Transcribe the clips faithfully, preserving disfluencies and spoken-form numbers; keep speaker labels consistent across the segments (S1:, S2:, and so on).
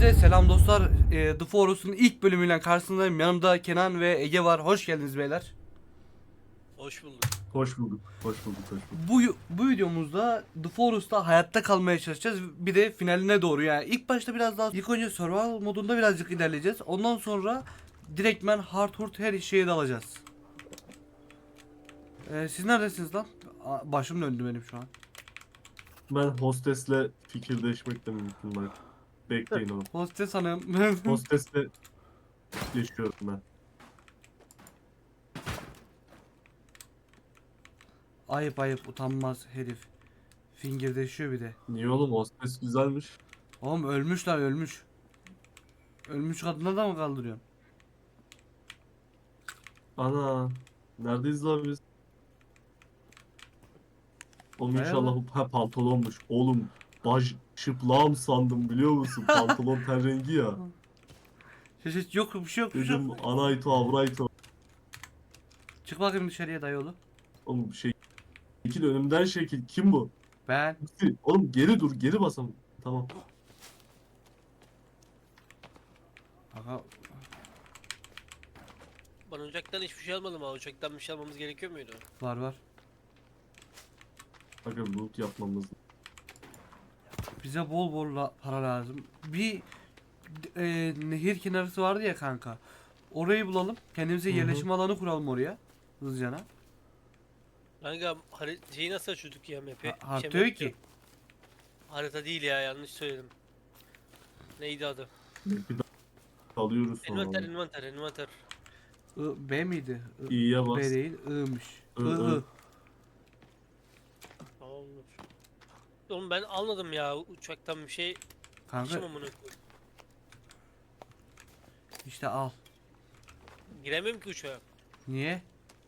S1: Herkese selam dostlar. E, The Forest'un ilk bölümüyle karşınızdayım. Yanımda Kenan ve Ege var. Hoş geldiniz beyler.
S2: Hoş bulduk.
S3: Hoş bulduk. Hoş bulduk. Hoş bulduk.
S1: Bu bu videomuzda The Forest'ta hayatta kalmaya çalışacağız. Bir de finaline doğru yani. İlk başta biraz daha ilk önce survival modunda birazcık ilerleyeceğiz. Ondan sonra direktmen hard hurt her şeye dalacağız. E, siz neredesiniz lan? Aa, başım döndü benim şu an.
S3: Ben hostesle fikirleşmek de mümkün bak. Bekleyin onu.
S1: Hostes hanım.
S3: Hostesle yaşıyorum ben.
S1: Ayıp ayıp utanmaz herif. Fingirdeşiyor bir de.
S3: Niye oğlum, hostes güzelmiş.
S1: Oğlum ölmüş lan ölmüş. Ölmüş kadına da mı kaldırıyorsun?
S3: Ana. Neredeyiz lan biz? Oğlum
S1: Bayağı
S3: inşallah bu ha, pantolonmuş. Oğlum baş şıplağım sandım, biliyor musun? Pantolon ten rengi ya.
S1: Şey, şey, yok bir şey yok bir şey yok.
S3: Dedim anayto avrayto.
S1: Çık bakayım dışarıya dayıoğlu.
S3: Oğlum şey, şekil önümden şekil. Kim bu?
S1: Ben.
S3: Oğlum geri dur, geri basalım. Tamam.
S1: Aga,
S2: Ben ocaktan hiçbir şey almadım ha. Ocaktan bir şey almamız gerekiyor muydu?
S1: var var.
S3: Bakın loot yapmamız.
S1: Bize bol bol la- para lazım. Bir e, nehir kenarısı vardı ya kanka. Orayı bulalım. Kendimize
S3: Hı hı.
S1: yerleşim alanı kuralım oraya. Hızlıcana.
S2: Kanka hari- şeyi nasıl açıyorduk ya map'i?
S1: Ha-
S2: Şey,
S1: Harita
S2: map
S1: yok ki.
S2: diyorum. Harita değil ya, yanlış söyledim. Neydi adı?
S3: Bir daha alıyoruz sonra.
S2: Envanter,
S3: onu.
S2: envanter, envanter.
S1: I, B miydi? I,
S3: İyiye
S1: B
S3: bas.
S1: değil. I'mış. I,
S3: I, I.
S1: I.
S2: Tamamdır. Oğlum ben almadım ya uçaktan bir şey.
S1: Kanka
S2: İşim amına.
S1: işte al.
S2: Giremiyorum ki uçağa.
S1: Niye?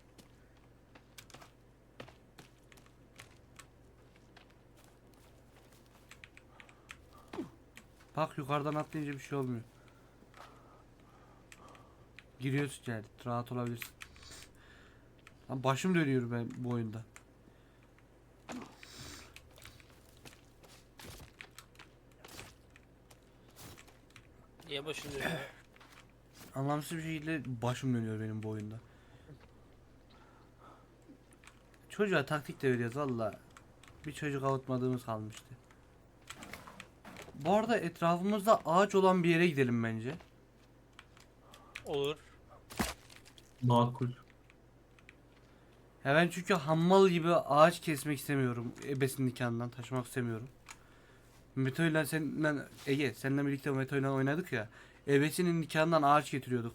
S1: Bak yukarıdan atlayınca bir şey olmuyor. Giriyorsun yani. Rahat olabilirsin. Lan başım dönüyor ben bu oyunda.
S2: Niye başım dönüyor ya?
S1: Anlamsız bir şekilde başım dönüyor benim bu oyunda. Çocuğa taktik de veriyoruz valla. Bir çocuk avutmadığımız kalmıştı. Bu arada etrafımızda ağaç olan bir yere gidelim bence.
S2: Olur.
S3: Makul.
S1: Ya ben çünkü hammal gibi ağaç kesmek istemiyorum. Ebesin nikahından taşımak istemiyorum. Meto ile seninle Ege seninle birlikte Meto ile oynadık ya. Ebesinin nikahından ağaç getiriyorduk.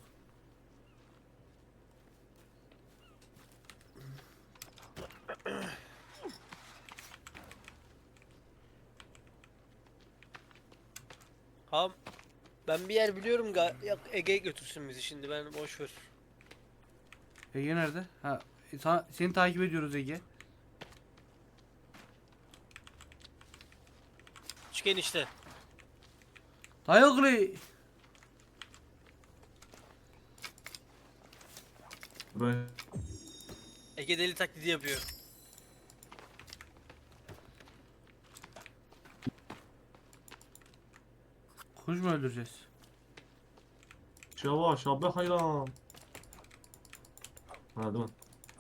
S2: Tamam. Ben bir yer biliyorum ga ya Ege götürsün bizi şimdi, ben boş ver.
S1: Ege nerede? Ha, sana, seni takip ediyoruz Ege.
S2: Çık enişte.
S1: Dayıoğlu.
S3: Ve
S2: Ege deli taklidi yapıyor.
S1: Kuş mu öldüreceğiz?
S3: yavaş abi, hayran. Ha değil mi?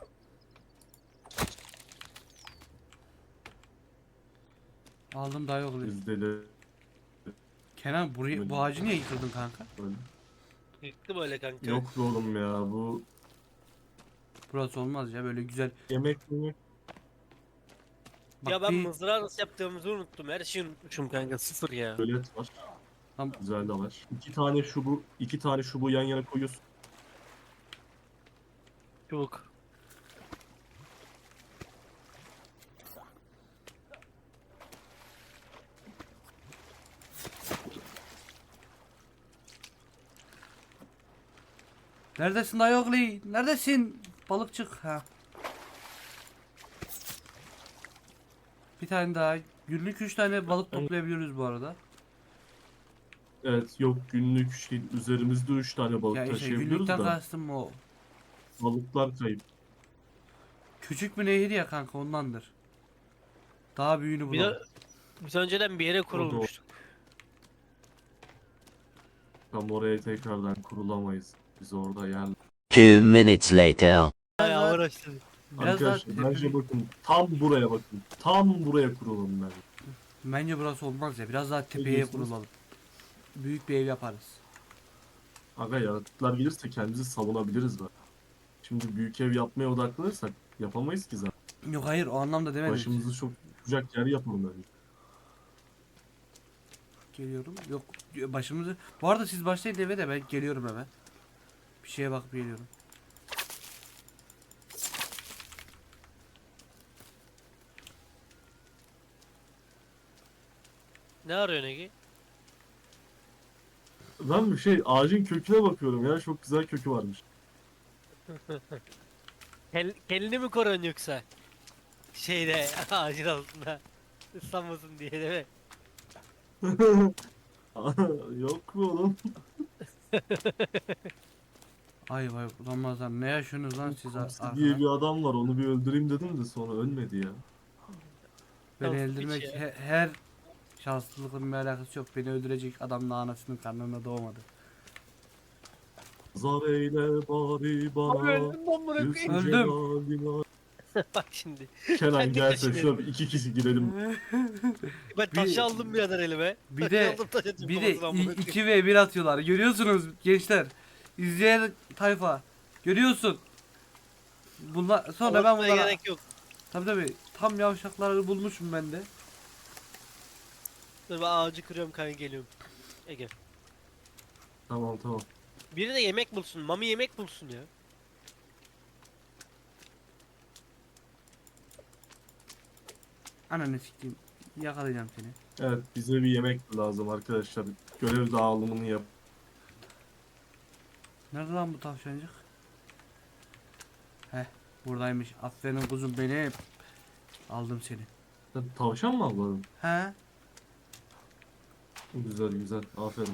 S1: Aldım dayıoğlu.
S3: Biz deli.
S1: Kenan burayı, bu ağacı niye yıkırdın kanka?
S3: Böyle.
S2: Yıktı böyle kanka.
S3: Yok be oğlum ya, bu
S1: Burası olmaz ya böyle güzel.
S3: yemek yemek.
S1: Bak
S2: Ya ben
S1: bir,
S2: mızrağı nasıl yaptığımızı unuttum. Her şeyi unutmuşum kanka. Sıfır ya.
S3: Gölet var.
S1: Tam-
S3: Güzel de var. İki tane şubu, iki tane şubu yan yana koyuyorsun.
S2: Çubuk.
S1: neredesin dayıoğlu? Neredesin? Balıkçık ha. Bir tane daha. Günlük üç tane balık toplayabiliyoruz bu arada.
S3: Evet, yok günlük şey, üzerimizde üç tane balık
S1: Ya işte
S3: taşıyabiliyoruz
S1: günlükten
S3: da
S1: kastım o.
S3: balıklar kayıp.
S1: Küçük bir nehir ya kanka ondandır. Daha büyüğünü
S2: Bir
S1: bulalım.
S2: de biz önceden bir yere
S3: O da o.
S2: kurulmuştuk.
S3: Tam oraya tekrardan kurulamayız. Biz orada yer.
S4: Two minutes later.
S2: Bayağı
S1: daha-
S2: uğraştım.
S1: Biraz daha
S3: Arkadaşlar bence
S1: tepeli-
S3: bakın tam buraya bakın. Tam buraya kurulun bence.
S1: Bence burası olmaz ya. Biraz daha tepeye
S3: diyorsunuz?
S1: kurulalım. Büyük bir ev yaparız.
S3: Aga yaratıklar gelirse kendimizi savunabiliriz bak. Şimdi büyük ev yapmaya odaklanırsak yapamayız ki zaten.
S1: Yok hayır o anlamda demedim.
S3: Başımızı çok tutacak yer yapalım bence.
S1: Geliyorum. Yok başımızı. Bu arada siz başlayın eve de ben geliyorum hemen. Bir şeye bakıp geliyorum.
S2: Ne arıyorsun Ege?
S3: Ben bir şey ağacın köküne bakıyorum ya, çok güzel kökü varmış.
S2: Kel, kelini mi koruyorsun yoksa? Şeyde ağacın altında. Islanmasın diye değil mi?
S3: Yok mu oğlum?
S1: Ay vay Ramazan ne yaşıyorsunuz lan siz ar-
S3: Hamsi
S1: arkada?
S3: diye bir adam var, onu bir öldüreyim dedim de sonra ölmedi ya.
S1: Beni
S2: Şanslı
S1: öldürmek
S2: piç ya.
S1: he- her şanslılıkla bir alakası yok. Beni öldürecek adam da anasının karnına doğmadı.
S3: Zar eyle bari bana.
S2: öldüm lan bırakayım.
S3: Gülsün
S1: Öldüm.
S3: celalina.
S2: Bak şimdi.
S3: Kenan
S2: Kendi
S3: gelse
S2: kaşını-
S3: şöyle bir iki kişi girelim.
S2: Ben taşı aldım birader elime.
S1: Bir
S2: Taşı
S1: de
S2: aldım, taşı atayım
S1: bir de
S2: kafasına amına koyayım.
S1: iki ve bir atıyorlar. Görüyorsunuz gençler. İzleyen tayfa. Görüyorsun. Bunlar sonra ben
S2: Anlatmaya
S1: bunlara
S2: gerek yok.
S1: tabii tabii tam yavşakları bulmuşum ben de.
S2: Dur ben ağacı kırıyorum kanka geliyorum. Ege.
S3: Tamam tamam.
S2: Biri de yemek bulsun. Mami yemek bulsun ya.
S1: Ananı sikeyim. Yakalayacağım seni.
S3: Evet, bize bir yemek lazım arkadaşlar. Görev dağılımını yap.
S1: Nerede lan bu tavşancık? Heh buradaymış. Aferin kuzum benim. Aldım seni.
S3: Sen tavşan mı avladın?
S1: He?
S3: Güzel güzel. Aferin.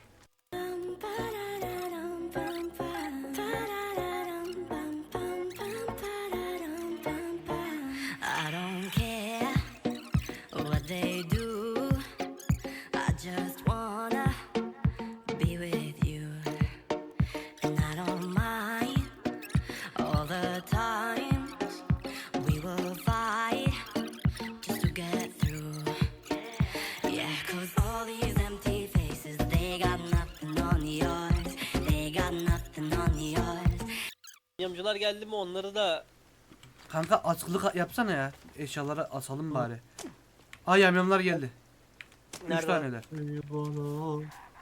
S5: I don't care what they do. I just wanna be with you. And I don't mind all the times we will fight just to get through. Yeah, 'cause all these empty faces, they got nothing on yours. They got nothing on yours.
S2: Yamcılar geldi mi onları da
S1: Kanka askılık yapsana ya. Eşyaları asalım bari. Ay yamyamlar geldi. Üç
S2: nerede?
S1: taneler.
S3: Ey bana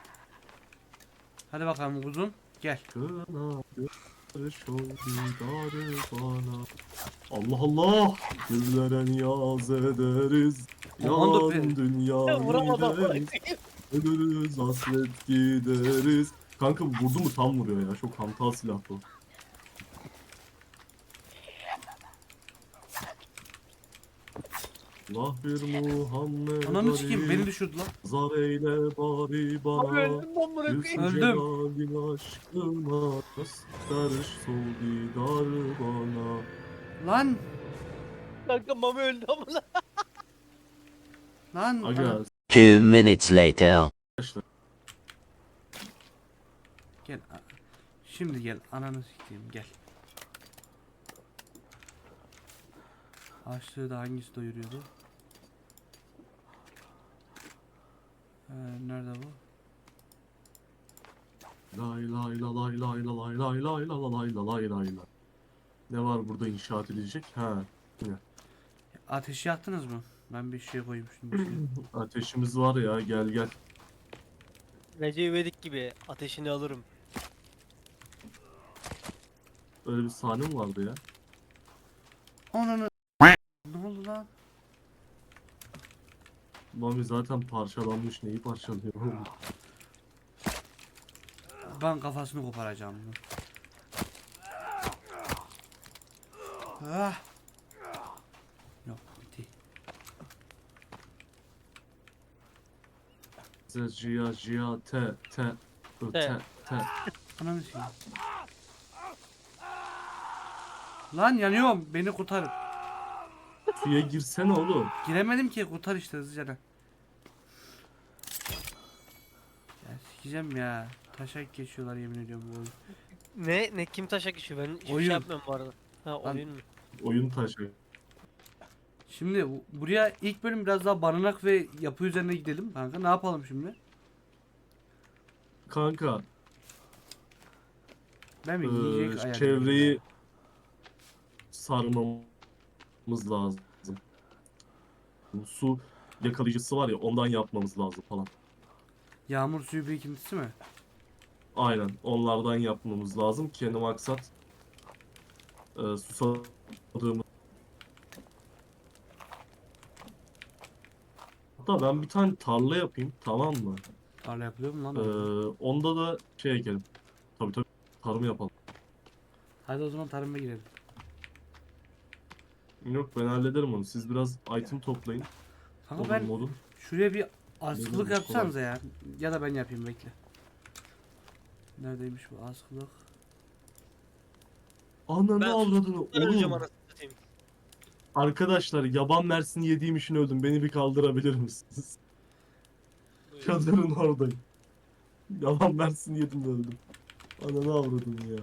S1: Hadi bakalım kuzum. Gel.
S3: kına göster ol didarı bana. Allah Allah. Güllere niyaz ederiz.
S1: Komando
S3: Yalan
S1: pe-
S3: dünya
S2: Ya vuramadım.
S3: gideriz. Ölürüz hasret gideriz. Kanka vurdu mu tam vuruyor ya. Çok hantal silah bu. Allah bir Muhammed
S1: Ananı sikeyim
S3: Ali.
S1: beni düşürdü lan.
S3: Zar eyle bari bana.
S2: Öldüm lan bırakayım.
S3: Gülsün
S1: Öldüm.
S3: celalin aşkına. Göster sol didarı bana.
S1: Lan.
S2: Kanka Mami öldü amına.
S1: Lan.
S3: Aga
S1: Ana-
S4: Two minutes later.
S3: arkadaşlar.
S1: Gel. a- Şimdi gel. Ananı sikeyim gel. Açlığı da hangisi doyuruyordu? Ee, nerede bu?
S3: Lay lay la lay lay la lay lay lay la la lay la lay lay la. Ne var burada inşaat edilecek? Ha. Yine.
S1: Ateşi yaktınız mı? Ben bir şey koymuştum. içine.
S3: Ateşimiz var ya, gel gel.
S2: Recep İvedik gibi ateşini alırım.
S3: Öyle bir sahne mi vardı ya?
S1: Ananı. Ne oldu lan?
S3: Mami zaten parçalanmış, neyi parçalıyor?
S1: Ben kafasını koparacağım bunu. Ah. Yok bitti.
S3: Z, Cia, Cia, T, T, Ö, T, T.
S1: Ananı sikeyim. Lan yanıyorum. Beni kurtarın.
S3: Suya girsene oğlum.
S1: Giremedim ki kurtar işte hızlıca. Ya Sikeceğim ya. Taşak geçiyorlar yemin ediyorum bu oyun.
S2: Ne ne kim taşak geçiyor? Ben hiçbir
S1: Oyun.
S2: şey yapmıyorum bu arada. Ha
S1: Lan-
S2: oyun mu?
S3: Oyun taşı.
S1: Şimdi bu- buraya ilk bölüm biraz daha barınak ve yapı üzerine gidelim kanka. Ne yapalım şimdi?
S3: Kanka
S1: Ben mi
S3: Ee,
S1: yiyecek ayarlayayım?
S3: çevreyi sarmamız lazım. Su yakalayıcısı var ya, ondan yapmamız lazım falan.
S1: Yağmur suyu birikintisi mi?
S3: Aynen, onlardan yapmamız lazım. Kendi maksat e, susadığımız. Hatta ben bir tane tarla yapayım, tamam mı?
S1: Tarla yapılıyor mu lan?
S3: Ee,
S1: orada?
S3: onda da şey ekelim. Tabii tabii, tarım yapalım.
S1: Hadi o zaman tarıma girelim.
S3: Yok, ben hallederim onu. Siz biraz item toplayın.
S1: Kanka
S3: Odun
S1: ben
S3: modun.
S1: şuraya bir askılık
S3: Bilmiyorum,
S1: yapsanıza ya. Ya da ben yapayım bekle. Neredeymiş bu askılık?
S3: Ananı
S2: Ben
S3: avradını
S2: Öleceğim
S3: oğlum.
S2: anasını satayım.
S3: Arkadaşlar, yaban mersini yediğim için öldüm. Beni bir kaldırabilir misiniz?
S2: Buyur.
S3: Çadırın oradayım. Yaban mersini yedim de öldüm. Ananı avradım ya.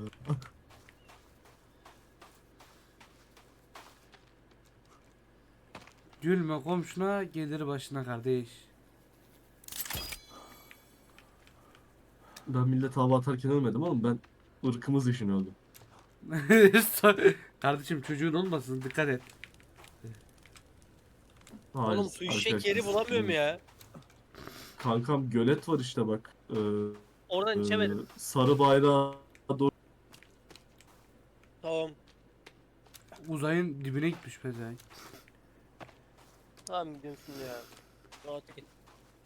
S1: Gülme komşuna gelir başına kardeş.
S3: Ben millete hava atarken ölmedim oğlum. Ben ırkımız için öldüm.
S1: Kardeşim çocuğun olmasın dikkat et.
S3: Hayır,
S2: Oğlum su içecek
S3: arkadaşlar,
S2: yeri bulamıyorum ya.
S3: Kankam, gölet var işte bak. Ee,
S2: Oradan
S3: e,
S2: içemedim.
S3: sarı bayrağa doğru.
S2: Tamam.
S1: Uzayın dibine gitmiş pezevenk.
S2: Tamam gidiyorsun ya. Rahat git.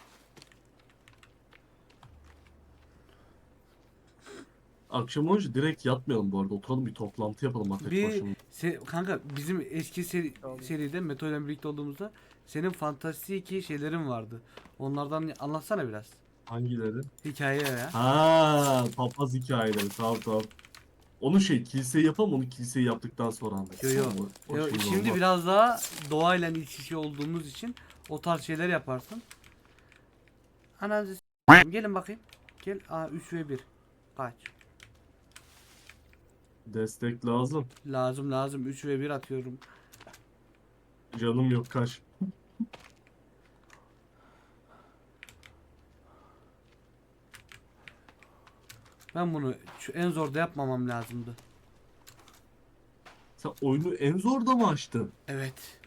S3: Akşam olunca direkt yatmayalım bu arada. Oturalım, bir toplantı yapalım Ateş
S1: Bir
S3: başında.
S1: se- kanka bizim eski seri,
S2: Tamam.
S1: seride Meto ile birlikte olduğumuzda senin fantastik şeylerin vardı. Onlardan anlatsana biraz.
S3: Hangileri?
S1: Hikaye ya.
S3: Ha, papaz hikayeleri. Tamam tamam. Onu şey, kiliseyi yapalım, onu kiliseyi yaptıktan sonra anlatırız.
S1: Yo, yo.
S3: Tamam mı? O
S1: Yo,
S3: şimdi
S1: şimdi
S3: olmaz.
S1: biraz daha doğayla iç içe olduğumuz için o tarz şeyler yaparsın. Ananızı s**eyim. Gelin bakayım. Gel. Aa üç ve bir. Kaç?
S3: Destek lazım.
S1: Lazım lazım. üç ve bir atıyorum.
S3: Canım yok, kaç.
S1: Ben bunu şu en zorda yapmamam lazımdı.
S3: Sen oyunu en zorda mı açtın?
S1: Evet.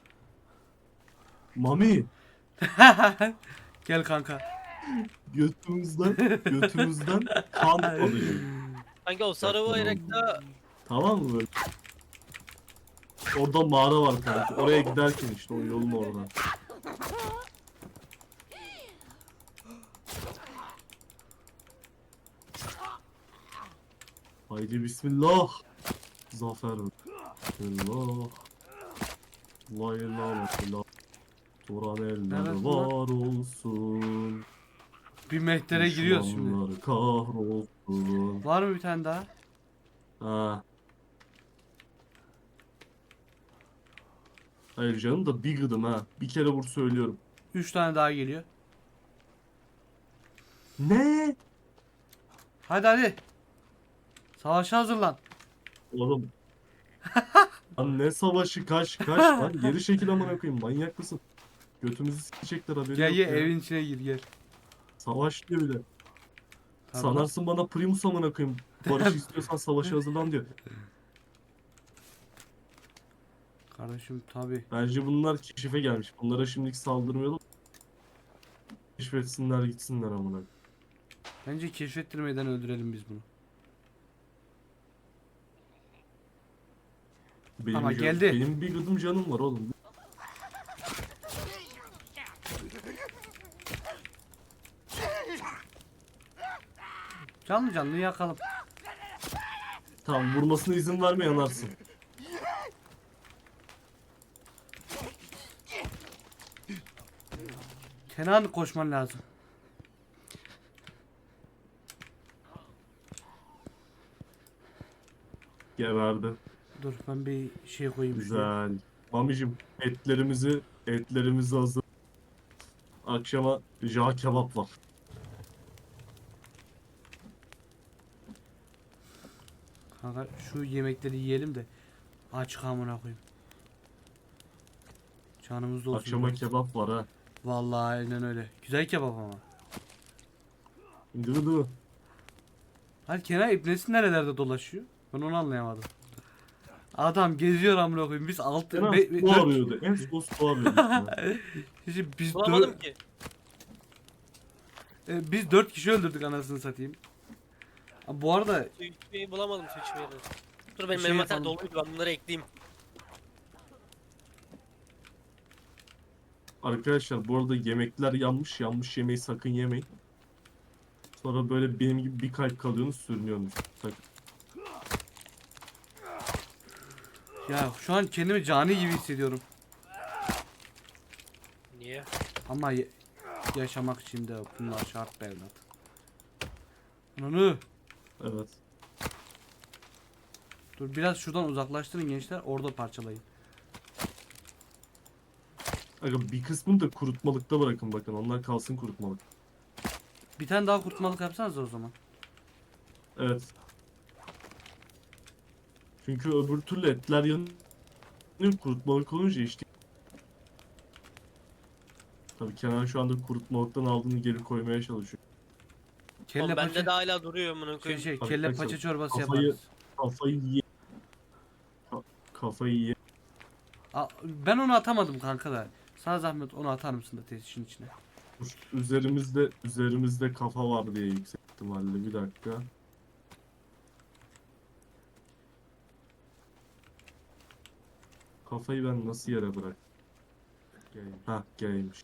S3: Mami,
S1: Gel kanka.
S3: götümüzden, götümüzden kan alacağım.
S2: Kanka o sarı bayrakta
S3: Tamam mı böyle? Orada mağara var kanka. Oraya giderken işte, o yolun orada. Haydi bismillah. Zafer. Bismillah. La ilahe illallah. Turan eller
S1: Neresi lan?
S3: var olsun.
S1: Bir mehtere giriyoruz şimdi.
S3: Düşmanlar kahrolsun.
S1: Var mı bir tane daha?
S3: Ha. Hayır canım da bir gıdım ha. Bir kere vur söylüyorum.
S1: Üç tane daha geliyor.
S3: Ne?
S1: Hadi hadi. Savaşa hazırlan.
S3: Oğlum. Lan ne savaşı, kaç kaç lan. Geri çekil amına koyayım, manyak mısın? Götümüzü sikecekler, haberi
S1: Gel
S3: yok
S1: gel
S3: ya.
S1: evin içine gir gel.
S3: Savaş diyor bir de.
S1: Tamam.
S3: Sanarsın bana Primus amına koyayım. Barış istiyorsan savaşa hazırlan diyor.
S1: Kardeşim tabi.
S3: Bence bunlar keşife gelmiş. Bunlara şimdilik saldırmayalım. Keşfetsinler gitsinler amına.
S1: Bence keşfettirmeden öldürelim biz bunu.
S3: Benim
S1: Ama
S3: can-
S1: geldi.
S3: Benim bir gıdım canım var oğlum.
S1: Canlı canlı yakalım.
S3: Tamam, vurmasına izin verme, yanarsın.
S1: Kenan koşman lazım.
S3: Geberdi.
S1: Dur ben bir şey koyayım şuraya.
S3: Güzel. Mamicim, etlerimizi etlerimizi hazır. Akşama jağ kebap var.
S1: Kanka şu yemekleri yiyelim de aç amına koyayım. Canımız da olsun.
S3: Akşama
S1: biraz.
S3: kebap var ha.
S1: Vallahi aynen öyle. Güzel kebap ama.
S3: Gıdı.
S1: Hadi Kenan İbnesi nerelerde dolaşıyor? Ben onu anlayamadım. Adam geziyor amına koyayım. Biz altı
S3: En az
S1: be- be-
S3: bu
S1: dört-
S3: arıyordu. En son bu arıyordu.
S1: Şimdi biz
S2: Bulamadım
S1: dört,
S2: ki.
S1: e, biz dört kişi öldürdük anasını satayım. Ha, bu arada
S2: Su içmeyi bulamadım su içmeyi. de. Dur benim
S1: Şey
S2: envanter
S1: yapalım.
S2: doluydu ben bunları ekleyeyim.
S3: Arkadaşlar bu arada yemekler yanmış. Yanmış yemeği sakın yemeyin. Sonra böyle benim gibi bir kalp kalıyorsunuz, sürünüyorsunuz. Sakın.
S1: ya şu an kendimi cani gibi hissediyorum.
S2: Niye?
S1: Ama ye- yaşamak için de bunlar şart be evlat. Ananı.
S3: Evet.
S1: Dur biraz şuradan uzaklaştırın gençler. Orada parçalayın.
S3: Aga bir kısmını da kurutmalıkta bırakın bakın. Onlar kalsın kurutmalık.
S1: Bir tane daha kurtmalık yapsanız o zaman.
S3: Evet. Çünkü öbür türlü etler yanıyor. Kurutmalık olunca işte. Tabii Kenan şu anda kurutmalıktan aldığını geri koymaya çalışıyor.
S1: Kelle
S2: Oğlum bende
S1: paça,
S2: de hala duruyor amına
S1: şey,
S2: koyayım.
S1: şey,
S3: Bak,
S1: kelle
S3: bak,
S1: paça
S3: bak.
S1: çorbası
S3: Kafayı-
S1: yaparız.
S3: Kafayı ye. Ka- Kafayı ye.
S1: Aa, ben onu atamadım kanka da. Sana zahmet onu atar mısın da tesisinin içine?
S3: Dur, Üzerimizde üzerimizde kafa var diye yüksek ihtimalle. Bir dakika. Kafayı ben nasıl yere bırak? Ha, G'ymiş.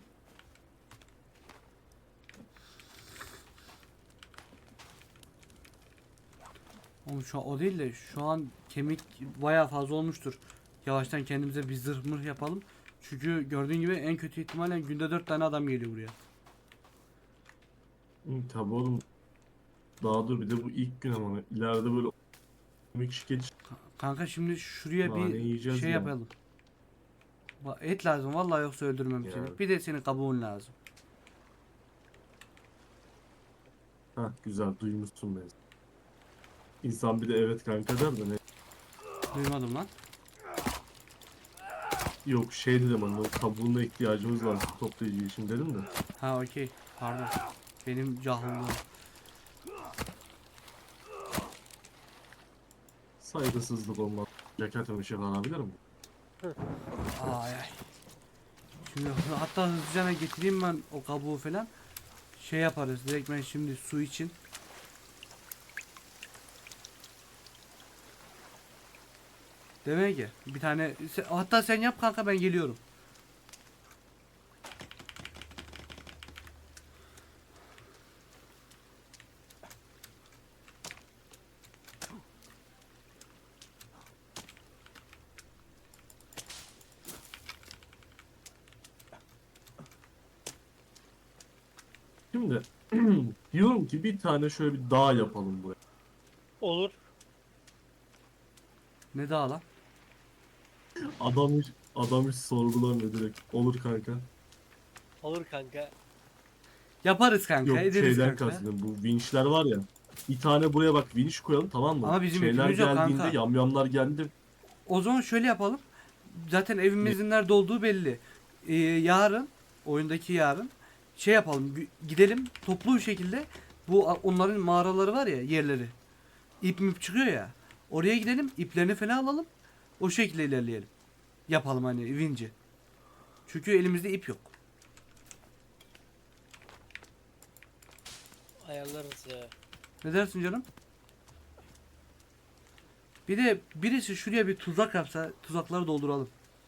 S1: Oğlum şu an o değil de şu an kemik bayağı fazla olmuştur. Yavaştan kendimize bir zırh mırh yapalım. Çünkü gördüğün gibi en kötü ihtimalle günde dört tane adam geliyor buraya.
S3: Hı, tabii oğlum. Daha dur bir de bu ilk gün ama ileride böyle bir kişi geç.
S1: Ka- Kanka şimdi şuraya
S3: Nane
S1: bir
S3: yiyeceğiz
S1: şey
S3: ya.
S1: yapalım. Ba- Et lazım vallahi yoksa öldürmem
S3: Ya.
S1: seni. Bir de senin kabuğun lazım.
S3: Ha güzel duymuşsun beni. İnsan bir de evet kanka der de ne?
S1: Duymadım lan.
S3: Yok şey dedim hani o kabuğuna ihtiyacımız var su toplayıcı için dedim de.
S1: Ha okey. Pardon. Benim cahillığım.
S3: Saygısızlık olmaz. Ceketimi ışık alabilir mi?
S1: Ay ay. Şimdi hı- hatta hızlıca getireyim ben o kabuğu falan. Şey yaparız. Direkt ben şimdi su için. Demek ki bir tane se- hatta sen yap kanka ben geliyorum.
S3: Şimdi diyorum ki bir tane şöyle bir dağ yapalım buraya.
S2: Olur.
S1: Ne daha lan?
S3: Adam hiç, adam hiç sorgulamıyor direkt. Olur kanka.
S2: Olur kanka.
S1: Yaparız kanka.
S3: Yok
S1: Ederiz
S3: şeyden
S1: kanka.
S3: kastım. Bu vinçler var ya. Bir tane buraya bak vinç koyalım tamam mı?
S1: Ama bizim
S3: Şeyler
S1: yükümüz yok
S3: geldiğinde
S1: kanka.
S3: yamyamlar geldi.
S1: O zaman şöyle yapalım. Zaten evimizin nerede olduğu belli. Ee, yarın oyundaki yarın şey yapalım. gü- Gidelim toplu bir şekilde bu a- onların mağaraları var ya yerleri. İp mip çıkıyor ya. Oraya gidelim iplerini falan alalım. O şekilde ilerleyelim. Yapalım hani vinci. Çünkü elimizde ip yok.
S2: Ayarlarız ya.
S1: Ne dersin canım? Bir de birisi şuraya bir tuzak yapsa tuzakları dolduralım.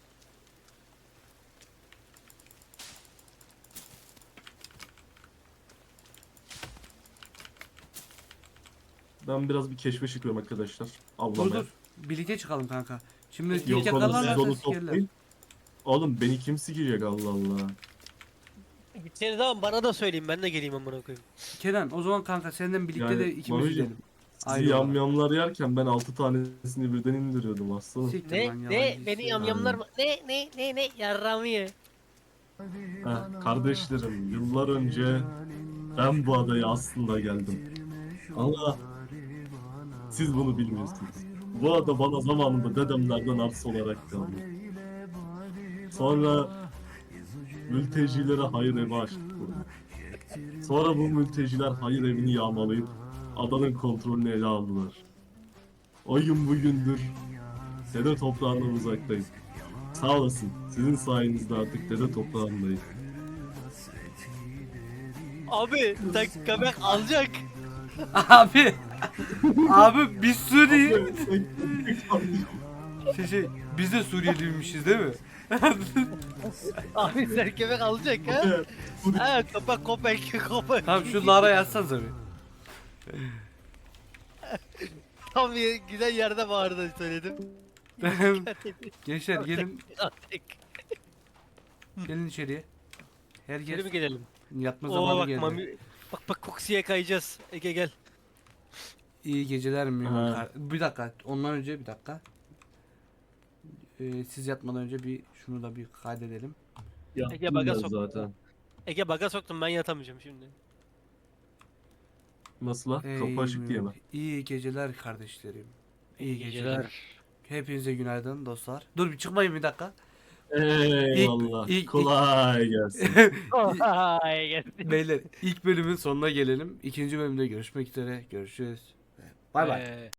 S3: Ben biraz bir keşfe çıkıyorum arkadaşlar.
S1: Dur
S3: Avlamaya.
S1: dur. Birlikte çıkalım kanka. Şimdi
S3: Yok
S1: ilk
S3: oğlum siz
S1: yakalarlarsa
S3: onu
S1: sikerler.
S3: toplayın. Oğlum beni kim sikecek Allah Allah.
S2: Gitseniz ama bana da söyleyin ben de geleyim amına koyayım.
S1: Kenan o zaman kanka senden birlikte
S3: Yani
S1: de ikimiz
S3: Mami'cim,
S1: gidelim.
S3: Sizi
S1: Ayrı olarak.
S3: yamyamlar yerken ben altı tanesini birden indiriyordum aslanım.
S1: Siktir
S2: Ne
S1: lan,
S2: ne
S1: yalancı
S2: beni
S1: işte.
S2: yamyamlar mı? Ne ne ne ne yarramı ye.
S3: Heh, kardeşlerim yıllar önce ben bu adaya aslında geldim. Ama Siz bunu bilmiyorsunuz. Bu ada bana zamanında dedemlerden arsa olarak kaldı. Sonra mültecilere hayır evi açtık burada. Sonra bu mülteciler hayır evini yağmalayıp adanın kontrolünü ele aldılar. O gün bugündür dede toprağından uzaktayım. Sağ olasın. Sizin sayenizde artık dede toprağındayım.
S2: Abi sen köpek alacak.
S1: Abi. Abi biz Suriye. Şey, şey, biz de Suriyeliymişiz değil mi?
S2: Abi sen köpek alacak ha. Ha köpek köpek köpek.
S1: Tamam şu Lara yazsanıza bir.
S2: Tam bir güzel yerde bağırdı söyledim.
S1: Gençler gelin gelin içeriye. Herkes
S2: Geri mi gelelim?
S1: yatma
S2: Oo
S1: zamanı
S2: bak
S1: geldi.
S2: mami. Bak bak koksiye kayacağız. Ege gel.
S1: İyi geceler mi?
S3: Ha.
S1: Bir dakika. Ondan önce bir dakika. Ee, siz yatmadan önce bir şunu da bir kaydedelim.
S3: Yaptım
S2: baga
S3: ben
S2: sok.
S3: zaten.
S2: Ege baga soktum ben yatamayacağım şimdi.
S3: Nasıl lan? Kapı açık diye mi?
S1: İyi geceler kardeşlerim. İyi geceler.
S2: Geceler.
S1: Hepinize günaydın dostlar. Dur bir çıkmayın bir dakika.
S3: Eyvallah.
S1: ilk-
S3: Kolay gelsin.
S2: Ay gel.
S1: Beyler ilk bölümün sonuna gelelim. İkinci bölümde görüşmek üzere. Görüşürüz. Bay bay.
S2: Ee,